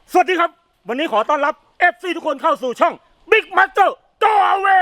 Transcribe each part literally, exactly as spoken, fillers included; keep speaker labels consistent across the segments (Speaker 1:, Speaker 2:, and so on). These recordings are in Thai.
Speaker 1: สวัสดีครับวันนี้ขอต้อนรับ เอฟ ซี ทุกคนเข้าสู่ช่อง Big Master Go Away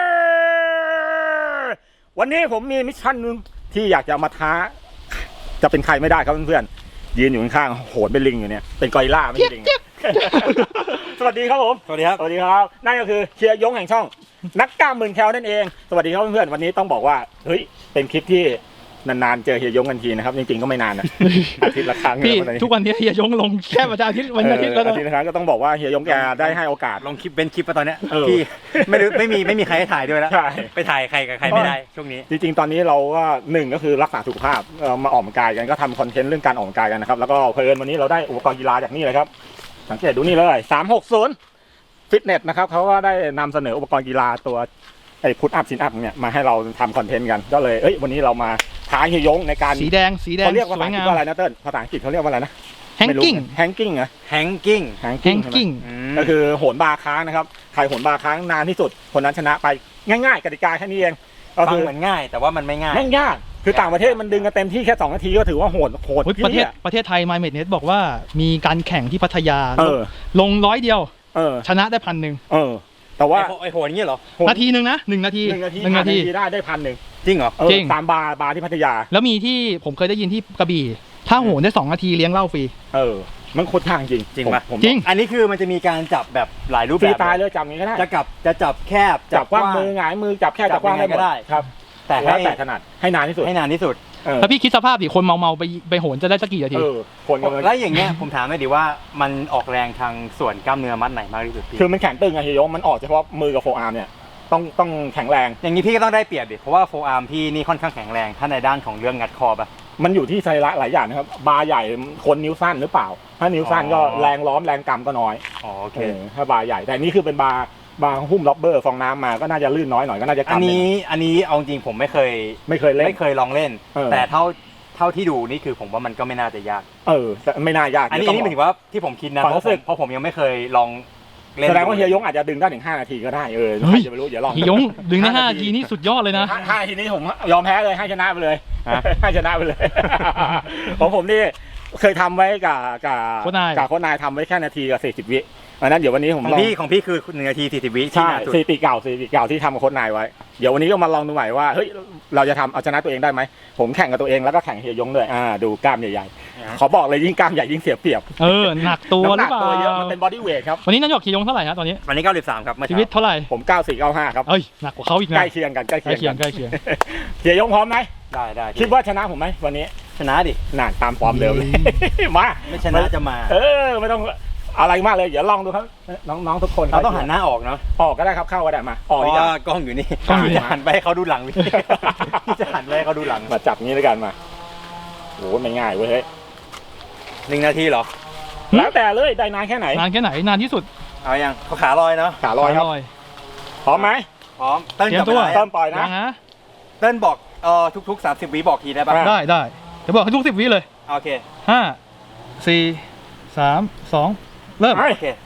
Speaker 1: วันนี้ผมมีมิชชั่นนึงที่อยากจะมาท้าจะเป็นใครไม่ได้ครับเพื่อนๆยืนอยู่ข้างๆโหนเป็นลิงอยู่เนี่ยเป็นกอริลลาไม่ใช่ลิง สวัสดีครับผม
Speaker 2: สวัสดีครับ
Speaker 1: สวัสดีครับนั่นก็คือเชียร์ยงแห่งช่องนักกล้ามหมื่นแคลนั่นเองสวัสดีครับเพื่อนๆวันนี้ต้องบอกว่าเฮ้ยเป็นคลิปที่นานๆเจอเฮียยงกันทีนะครับจริงๆก็ไม่นานนะอาทิตย์ละครั้ง
Speaker 3: พี่ทุกวันนี้เฮียยงลงแค่วันอาทิตย์วันอาทิตย์แล้วนะ
Speaker 1: อาทิตย์ละครั้งก็ต้องบอกว่าเฮียยงแกได้ให้โอกาส
Speaker 2: ลงคลิปเป็นคลิปมาตอนเนี้ยพี่ไม่รู้ไม่มีไม่มีใครให้ถ่ายด้วยแล้วไปถ่ายใครกับใครไม่ได้ช่วงนี้
Speaker 1: จริงๆตอนนี้เราก็หนึ่งก็คือรักษาสุขภาพมาออกกำลังกายกันก็ทำคอนเทนต์เรื่องการออกกำลังกายกันนะครับแล้วก็เพลินวันนี้เราได้อุปกรณ์กีฬาจากนี่เลยครับสังเกตดูนี่เลยสามหกศูนย์ฟิตเนสนะครับเขาก็ได้นำเสนออุปกรณ์กีฬาตัวไอ้พุทอัพซินอัพเนี่ยมาให้เราทำคอนเทนต์กันก็เลยเอ้ยวันนี้เรามาท้าเฮียยงในการ
Speaker 3: สีแดงสีแดง
Speaker 1: เขาเรียกว่าภาษาอังกฤษว่าอะไรนะเติ้ลภาษาอังกฤษเขาเรียกว่าอะไรนะ
Speaker 3: แฮงกิ้ง
Speaker 1: แฮงกิ้งเหรอ
Speaker 2: แฮงกิ้ง
Speaker 1: แฮงกิ้งก็คือโหนบาร์ค้างนะครับใครโหนบาร์ค้างนานที่สุดคนนั้นชนะไปง่ายๆกติกาแค่นี้เอง
Speaker 2: ก็คือเหมือนง่ายแต่ว่ามันไม่ง่าย
Speaker 1: ไม่ยากคือต่างประเทศมันดึงกันเต็มที่แค่สองนาทีก็ถือว่าโหดโหด
Speaker 3: ประเทศประเทศไทย My Mednet บอกว่ามีการแข่งที่พัทยาลงร้อยเดียวชนะได้พันหนึ่ง
Speaker 1: แต่ว่า
Speaker 2: ไอโหนนี่เหรอ
Speaker 3: นาทีหนึ่งนะหนึ่งนาที
Speaker 1: หนึ่งนาทีหนึ่งนาทีได้ได้พันหนึ่ง
Speaker 2: จริงเหรอ
Speaker 3: จริง
Speaker 1: ตามบาร์บาร์ที่พัทยา
Speaker 3: แล้วมีที่ผมเคยได้ยินที่กระบี่ถ้าโหนได้สองนาทีเลี้ยงเหล้าฟรี
Speaker 1: เออมันโคตรทางจริง
Speaker 2: จริงป่ะ
Speaker 3: จริง
Speaker 2: อันนี้คือมันจะมีการจับแบบหลายรูปแบบ
Speaker 1: ฟรีตายเลยจับงี้ก็ได้
Speaker 2: จะจับจะจับแคบ
Speaker 1: จับกว้างมือหงายมือจับแคบจับกว้างได้ก็ได้ครับ
Speaker 2: แต่ให้
Speaker 1: แต่ถนัดให้นานที่สุด
Speaker 2: ให้นานที่สุด
Speaker 3: ถ้าพี่คิดสภาพดิคนเมาเมาไปไปโหนจะได้สักกี่นาที
Speaker 1: คน
Speaker 2: แล้วอย่างเงี้ยผมถามหน่อยดิว่ามันออกแรงทางส่วนกล้ามเนื้อมัดไหนมากที่สุด
Speaker 1: คือมันแข็งตึงไงเฮียยงมันออกเฉพาะมือกับโฟอาร์มเนี่ยต้องต้องแข็งแรง
Speaker 2: อย่างนี้พี่ก็ต้องได้เปรียบดิเพราะว่าโฟอาร์มพี่นี่ค่อนข้างแข็งแรงถ้าในด้านของเรื่องงัดคอป่ะ
Speaker 1: มันอยู่ที่ไซระหลายอย่างนะครับบาร์ใหญ่คนนิ้วสั้นหรือเปล่าถ้านิ้วสั้นก็แรงล้อมแรงกำก็น้อย
Speaker 2: อ๋อโอเค
Speaker 1: ถ้าบาร์ใหญ่แต่นี่คือเป็นบาร์บาร์หุ้มล็อบเบอร์ฟองน้ำมาก็น่าจะลื่นน้อยหน่อยก็น่าจะกำ
Speaker 2: อันนี้อันนี้เอาจริงผมไม่เคย
Speaker 1: ไม่เคยเล่น
Speaker 2: ไม่เคยลองเล่นแต่เท่าเท่าที่ดูนี่คือผมว่ามันก็ไม่น่าจะยาก
Speaker 1: เออแต่ไม่น่ายาก
Speaker 2: อันนี้อันนี้หมายถึงว่าที่ผมคิดนะเพราะผมเพราะผมยังไม่เคยลอง
Speaker 1: แสดงว่าเฮียยงอาจจะดึงได้ถึงห้านาทีก็ได้เออใครจะไม่รู้อย่าลอง
Speaker 3: เฮียยงดึงได้ห้านาทีนี่สุดยอดเลยนะ
Speaker 1: ห้านาทีนี้ผมยอมแพ้เลยให้ชนะไปเลยให้ชนะไปเลยของผมนี่เคยทำไว้กับกับกับโค้ชนายทำไว้แค่นาทีกับสี่สิบวิอันนั้นเดี๋ยววันนี้ผม
Speaker 2: ของพี่ของพี่คือหนึ่งนาทีสี่สิบวิ
Speaker 1: ใช่สถิติเก่าสถิติเก่าที่ทำกับโค้ชนายไว้เดี๋ยววันนี้ก็มาลองดูใหม่ว่าเฮ้ยเราจะทำเอาชนะตัวเองได้ไหมผมแข่งกับตัวเองแล้วก็แข่งเฮียยงด้วยอ่าดูกล้ามใหญ่ๆขอบอกเลยยิ่งกล้ามใหญ่ยิ่งเสียเปรียบ
Speaker 3: เออหนักตัวหรือเปล่า
Speaker 1: ตัวเยอะมันเป็นบอดี้เวทครับ
Speaker 3: วันนี้นายกเฮียยงเท่าไหร่ฮะตอนนี้
Speaker 2: วันนี้เก้าสิบสามครับ
Speaker 3: ชีวิตเท่าไหร่
Speaker 1: ผมเก้าสี่เก้าห้าครับ
Speaker 3: เอ้ยหนักกว่าเขาอีกนะ
Speaker 1: ใกล้เคียงกันใกล้เคียง
Speaker 3: ใกล้เคียง
Speaker 1: เฮียยงพร้อมไหม
Speaker 2: ได้ได้
Speaker 1: คิดว่าชนะผมไหมวันนี้
Speaker 2: ชนะดิ
Speaker 1: น่าตามฟอร์มเดิมเลยมา
Speaker 2: ไม่ชนะจะมา
Speaker 1: เออไม่ต้องอะไรมากเลยเดี๋ยวลองดูครับน้องๆทุกคน
Speaker 2: เราต้องหันหน้าออกเนาะ
Speaker 1: ออกก็ได้ครับเข้าก็ได้มา
Speaker 2: ออกดีกว่ากล้องอยู่นี่กล้องจะหันไปให้เขาดูหลังพี่จะหันไปให้เขาดูหลัง
Speaker 1: มาจับงี้ด้วยกันมาโอ้ไม่ง่ายเว้ย
Speaker 2: หนึ่งนาทีเหรอ
Speaker 1: แล้วแต่เลยได้นานแค่ไหน
Speaker 3: นานแค่ไหนนานที่สุด
Speaker 2: เอายังเขาขาลอยเนาะ
Speaker 1: ขาลอยครับพร้อมไหม
Speaker 2: พร้อมเต้น
Speaker 3: ตัว
Speaker 1: เต้นปล่อยนะ
Speaker 2: เต้นบอกเอ่อทุกๆสามสิบวิบอกทีได้ป่ะ
Speaker 3: ได้ได้เดี๋ยวบอกให้ทุกสิบวิเลย
Speaker 2: โอเค
Speaker 3: ห้าสี่สามสองเริ่ม
Speaker 2: โอเค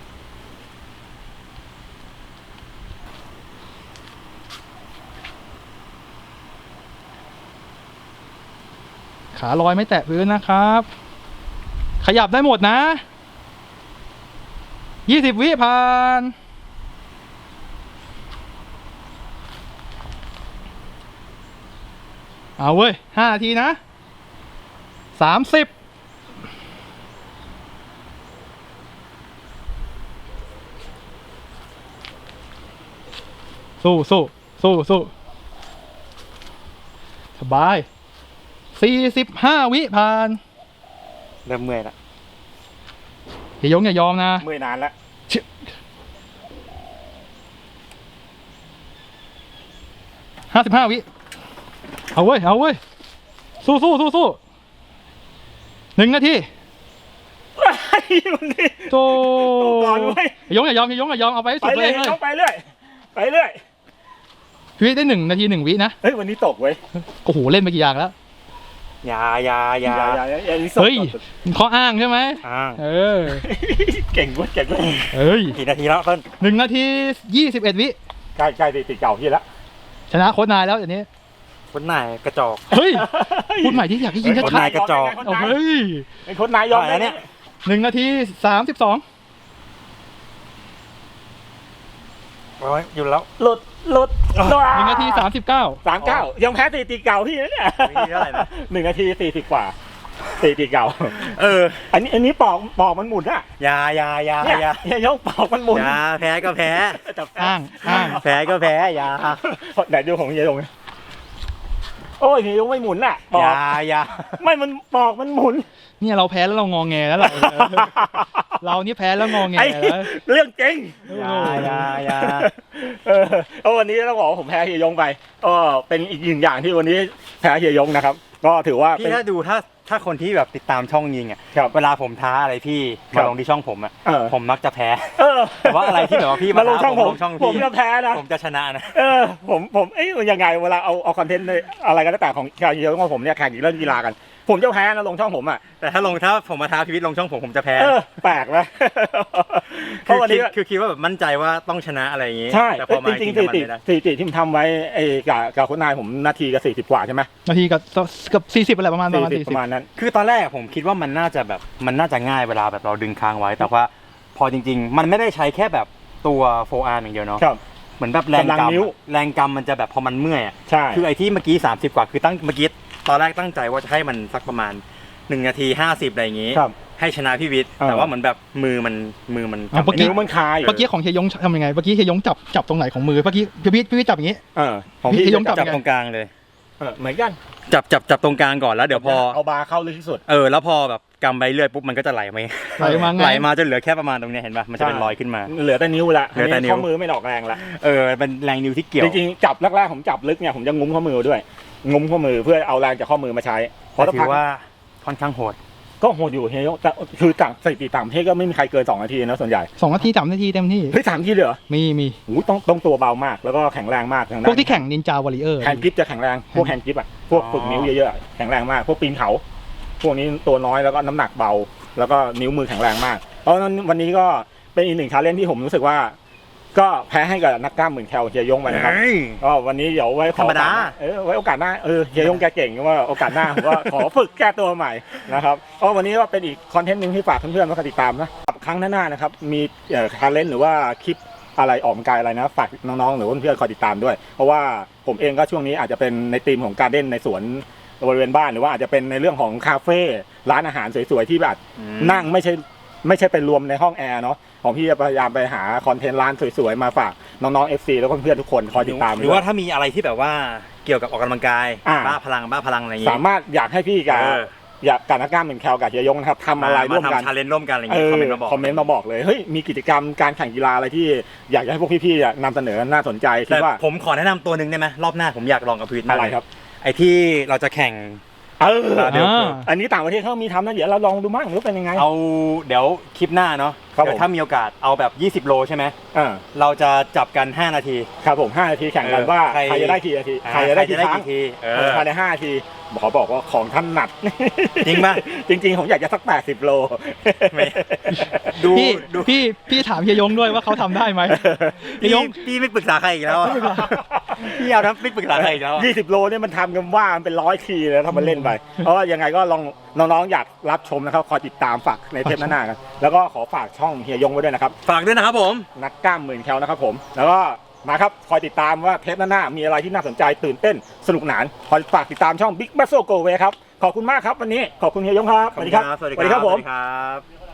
Speaker 3: ขาลอยไม่แตะพื้นนะครับขยับได้หมดนะยี่สิบวิผ่านเอาเว้ยห้านาทีนะสามสิบสู้สู้สู้สู้สบายสี่สิบห้าวิผ่าน
Speaker 2: เริ่มเมื่อยละ
Speaker 3: เฮียยงอย่ายอมนะ
Speaker 1: เมื่อยนานแล้ว
Speaker 3: ห้าสิบห้าวิเอาเว้ยเอาเว้ยสู้สู้สู้สู้หนึ่งนาทีโตเฮียยงอย่ายอมเฮียยงอย่ายอมเอาไปให้สุดเลย
Speaker 1: ไปเรื่อยไปเรื่อย
Speaker 3: พี่ได้หนึ่งนาทีหนึ่งวินะ
Speaker 1: เฮ้ยวันนี้ตกเว้ย
Speaker 3: โอ้โหเล่นไปกี่อย่างแล้ว
Speaker 2: ยายายา
Speaker 3: เฮ้ยข้ออ้างใช่ไหม
Speaker 2: อ้าง
Speaker 3: เออ
Speaker 1: เก่งเว้ยเก่งเว้ย
Speaker 3: เฮ้ย
Speaker 2: กี่นาทีแล้วต้น
Speaker 3: หนึ่งนาทียี่สิบเอ็ดวิ
Speaker 1: ใกล้ใกล้ติดเก่าพี่แล้ว
Speaker 3: ชนะโค้ชนายแล้วอย่างนี้
Speaker 2: โค้ชนายกระจอก
Speaker 3: เฮ้ยพูดใหม่ที่อยากให้ยิงชัด
Speaker 2: โค้ชนายกระจอก
Speaker 3: เฮ้ย
Speaker 1: ไอ้โค้ชนายยอมแล้วเนี่ย
Speaker 3: หนึ่งนาทีสามสิบสอง
Speaker 2: โอ้ยอยู่แล้ว
Speaker 1: หลุดหลุด
Speaker 3: หนึ่งนาทีสามสิบเก้า
Speaker 1: สามเก้ายังแพ้สถิติเก่าพี่นะเนี่ย
Speaker 2: เท่าไหร่นะ
Speaker 1: หนึ่งนาทีสี่สิบกว่าสถิติเก่า
Speaker 2: เออ
Speaker 1: อันนี้อันนี้ปอกปอกมันหมุนอะ
Speaker 2: ยายายา
Speaker 1: เนี่ย
Speaker 2: ยา
Speaker 1: เฮียยงปอกมันหมุน
Speaker 2: ยาแพ้ก็แพ้
Speaker 1: แต่แพ้
Speaker 3: อ้างอ้าง
Speaker 2: แพ้ก็แพ้ยา
Speaker 1: ไหนดูของเฮียยงโอ้ยเฮียยงไม่หมุนอะปอก
Speaker 2: ยายา
Speaker 1: ไม่มันปอกมันหมุน
Speaker 3: เนี่ยเราแพ้แล้วเรางอแงแล้วล่ะเออเรานี่แพ้แล้วงอแง
Speaker 1: ไอ้
Speaker 3: แล้ว
Speaker 1: เรื่องจริง
Speaker 2: ยายายา
Speaker 1: เออเอาวันนี้ต้องบอกว่าผมแพ้เฮียยงไปก็เป็นอีกหนึ่งอย่างที่วันนี้แพ้เฮียยงนะครับ ก็ถือว่าเป็
Speaker 2: พี่
Speaker 1: น
Speaker 2: ถ้าดูถ้าถ้าคนที่แบบติดตามช่องยิงอ่ะ
Speaker 1: ครับ
Speaker 2: เวลาผมท้าอะไรพี่
Speaker 1: ครั
Speaker 2: มา
Speaker 1: บ
Speaker 2: ลงที่ช่องผมอ่ะ
Speaker 1: เออ
Speaker 2: ผมมักจะแพ้
Speaker 1: เออ
Speaker 2: แต่ว่าอะไรที่แบบว่าพี่
Speaker 1: มา
Speaker 2: มา
Speaker 1: ลงช่องผม
Speaker 2: ลงช่อง
Speaker 1: ผม
Speaker 2: พี่
Speaker 1: จะแพ้นะ
Speaker 2: ผมจะชนะนะ
Speaker 1: เออผมผมเอ้ยยังไงเวลาเอาเอาคอนเทนต์ในอะไรก็แล้วแต่ของเฮียยงของผมเนี่ยแข่งเรื่องกีฬากัน ผมจะแพ้นะลงช่องผมอ่ะ
Speaker 2: แต่ถ้าลงถ้าผมมาท้าพีวิทย์ลงช่องผมผมจะแพ้
Speaker 1: เออแปลกนะเพ
Speaker 2: คื
Speaker 1: ราะ
Speaker 2: อ
Speaker 1: วัน
Speaker 2: คิ
Speaker 1: นี้
Speaker 2: ดคือคิดว่าแบบมั่นใจว่าต้องชนะอะไรอย่างงี้
Speaker 1: ใช่
Speaker 2: แต่พอมา
Speaker 1: จริงๆ
Speaker 2: จ
Speaker 1: ส
Speaker 2: ริง
Speaker 1: ถิ
Speaker 2: ๆมัน
Speaker 1: ติ
Speaker 2: ไม่ได้
Speaker 1: สถิติที่ผมทำไว้ไอ้กับกับคนนายผมนาทีกับสี่สิบกว่าใช่ไหม
Speaker 3: นาทีกับกับสี่สิบอะไรประมาณประมาณ
Speaker 1: สี่สิบ
Speaker 3: สี่
Speaker 1: ป
Speaker 3: สิบ
Speaker 1: ระมาณนั้น
Speaker 2: คือตอนแรกผมคิดว่ามันน่าจะแบบมันน่าจะง่ายเวลาแบบเราดึงค้างไว้ แต่ว่าพอจริง ๆ มันไม่ได้ใช้แค่แบบตัวโฟอาร์อย่างเดียวเนาะ
Speaker 1: ครับ
Speaker 2: เหมือนแบบแรง
Speaker 1: กำลัง
Speaker 2: กำ
Speaker 1: นิ้ว
Speaker 2: แรงกำมันจะแบบพอมันเมื่อยอะ
Speaker 1: ใช่
Speaker 2: คือไอ้ที่เมื่อกี้สามสิบกว่าคือตั้งเมื่อกี้ตอนแรกตั้งใจว่าจะให้มันสักประมาณหนึ่งนาทีห้าสิบอะไรอย่างงี้
Speaker 1: ครับ
Speaker 2: ให้ชนะพี่วิทย์
Speaker 1: เออ
Speaker 2: แต่ว่าเหมือนแบบมือมันมือมัน
Speaker 3: อ่ะเมื่อกี้
Speaker 1: นิ้วมันคาย
Speaker 3: เมื่อกี้ของเฮียยงทำยังไงเมื่อกี้เฮียยงจับจับตรงไหนของมือเมื่อกี้พี่พี่พี่จับอย่างงี้
Speaker 1: เออของ
Speaker 3: พี่
Speaker 1: พี่
Speaker 3: ยงจับ
Speaker 2: จับตรงกลางเลย
Speaker 1: เออเหมือนกัน
Speaker 2: จับจับจับตรงกลางก่อนแล้วเดี๋ยวพอ
Speaker 1: เอาบาร์เข้าลึกที่สุด
Speaker 2: เออแล้วพอแบบกำไปเรื่อยปุ๊บมันก็จะไหลมา
Speaker 3: ไหลมาไง
Speaker 2: ไหลมาจนเหลือแค่ประมาณตรงเนี้ยเห็นป่ะมันจะเป็น
Speaker 1: ใช่
Speaker 2: รอยขึ้นมา
Speaker 1: เหลือแต่นิ้วละ
Speaker 2: เหลือแต่นิ้ว
Speaker 1: ข้อมือไม่ดอกแรงละ
Speaker 2: เออเป็นแรงนิ้วที่เกี่ยว
Speaker 1: จริงๆจับแรกๆผมจับลึกเนี่ยผมจะงุ้มข้อมือด้วยงุ้มข้อมือเพื่อเอาแรงจากข้อมือมาใช้เพราะ
Speaker 2: แต่
Speaker 1: ถ้า
Speaker 2: ถื
Speaker 1: พัก
Speaker 2: อว่าค่อนข้างโหด
Speaker 1: ก็โหดอยู่เฮียยงแต่คือต่างสถิติต่างประเทศก็ไม่มีใครเกินสองนาทีนะส่วนใหญ่
Speaker 3: สองนาทีสามนาทีเต็มที่
Speaker 1: เฮ้ยสามนาทีเลยเหรอ
Speaker 3: มีมี
Speaker 1: โอ้ยต้องต้องตัวเบามากแล้วก็แข็งแรงมากทาง
Speaker 3: พ
Speaker 1: ด้า
Speaker 3: วก
Speaker 1: น
Speaker 3: ที่แข่งนินจาวอริเออร์
Speaker 1: แฮนด์กริปจะแข็งแรงพวกแฮนด์กริปอ่ะพวกฝึกนิ้วเยอะๆอะแข็งแรงมากพวกปีนเขาพวกนี้ตัวน้อยแล้วก็น้ำหนักเบา แล้วก็นิ้วมือแข็งแรงมากเพราะฉะนั้นวันนี้ก็เป็นอีกหนึ่งชาเลนจ์ที่ผมรู้สึกว่า ก็แพ้ให้กับนักกล้ามหมื่นแคลเฮียยงไปนะครับ
Speaker 2: เฮ้ย
Speaker 1: ก็วันนี้เดี๋ยวไว้ขอ
Speaker 2: ธรรมดา
Speaker 1: เออไว้โอกาสหน้าเออเฮียยงแกเก่งว่าโอกาสหน้าผมว่าขอฝึกแก้ตัวใหม่นะครับก็วันนี้ก็เป็นอีกคอนเทนต์หนึ่งที่ฝากเพื่อนๆมาติดตามนะครั้งหน้าๆนะครับมีเอ่อชาเลนจ์หรือว่าคลิปอะไรออกกำลังกายอะไรนะฝากน้องๆหรือเพื่อนๆคอยติดตามด้วย เพราะว่าผมเองก็ช่วงนี้อาจจะเป็นในธีมของการเด้นในสวนบริเวณบ้านหรือว่าอาจจะเป็นในเรื่องของคาเฟ่ร้านอาหารสวยๆที่แบบนั่งไม่ใช่ไม่ใช่เป็นรวมในห้องแอร์เนาะของพี่จะพยายามไปหาคอนเทนต์ร้านสวยๆมาฝากน้องๆ เอฟ ซี แล้วก็เพื่อนๆทุกคนคอยติดตาม
Speaker 2: หรือว่าถ้ามีอะไรที่แบบว่าเกี่ยวกับออกกำลังกาย
Speaker 1: อ่า
Speaker 2: บ้าพลังบ้าพลังอะไรอย่างงี้
Speaker 1: สามารถอยากให้พี่กับ
Speaker 2: เออ
Speaker 1: อยากกับนักกล้ามเป็นแคลกับเฮียยงนะครับทำอะไรร่วมกัน
Speaker 2: ชาเลนจ์ร่วมกันอะไรอย่าง
Speaker 1: เอ
Speaker 2: งี้
Speaker 1: อ
Speaker 2: คอมเมนต์มาบอก
Speaker 1: คอมเมนต์มาบอกเลยเฮ้ยมีกิจกรรมการแข่งกีฬาอะไรที่อยากจะให้พวกพี่ๆอ่ะนำเสนอน่าสนใจคิ
Speaker 2: แต่
Speaker 1: ดว่า
Speaker 2: ผมขอแนะนำตัวหนึ่งได้ไหมรอบหน้าผมอยากลองกับพีวิทย์มาก
Speaker 1: อะไร
Speaker 2: เลย
Speaker 1: ครับ
Speaker 2: ไอ้ที่เราจะแข่ง
Speaker 1: เออ
Speaker 2: เดี๋ยว
Speaker 3: อ่า
Speaker 1: อันนี้ต่างประเทศเขามีทำนะเดี๋ยวเราลองดูมั่งรู้เป็นยังไง
Speaker 2: เอาเดี๋ยวคลิปหน้าเนาะ
Speaker 1: ครับ
Speaker 2: เดี๋ย
Speaker 1: ผม
Speaker 2: วถ้ามีโอกาสเอาแบบยี่สิบโลใช่ไหม
Speaker 1: อ่า
Speaker 2: เราจะจับกันห้านาที
Speaker 1: ครับผมห้านาทีแข่งกัน
Speaker 2: เออ
Speaker 1: ว่า
Speaker 2: ใคร
Speaker 1: ใครจะได้กี่นาที
Speaker 2: อ่า
Speaker 1: ใครจะได้กี่
Speaker 2: ใครจะได้
Speaker 1: ครั้ง
Speaker 2: กี่ทีเออ
Speaker 1: เออภายในห้านาทีขอบอกว่าของท่านหนัก
Speaker 2: จริงป่ะ
Speaker 1: จริงๆผมอยากจะสักแปดสิบโล
Speaker 2: ไม่ ดู
Speaker 3: พี่
Speaker 2: ดู
Speaker 3: พี่พี่ถามเฮียยงด้วยว่าเขาทำได้ไหมเฮี
Speaker 2: พี่
Speaker 3: ยยง
Speaker 2: พี่ไม่ปรึกษาใครอีกแล้วอะพี่เอาทั้งไม่ปรึกษาใครอีกแล้วอะ
Speaker 1: ยี่สิบโลเนี่ยมันทำกันว่ามันเป็นร้อยทีเลยถ้ามันเล่นไป เพราะว่ายังไงก็ลองน้องๆอยากรับชมนะครับคอยติดตามฝากในเทปหน้าๆกันแล้วก็ขอฝากช่องเฮียยงไว้ด้วยนะครับ
Speaker 2: ฝากด้วยนะครับผม
Speaker 1: นักกล้ามหมื่นแคลนะครับผมแล้วก็มาครับคอยติดตามว่าเทปหน้าๆมีอะไรที่น่าสนใจตื่นเต้นสนุกหนานคอยฝากติดตามช่อง Big Muscle Go Away ครับขอบคุณมากครับวันนี้ขอบคุณเฮียยงครับ
Speaker 2: ขอบคุณครับ
Speaker 1: สวัสดีครับผม
Speaker 2: สวัสดีครับ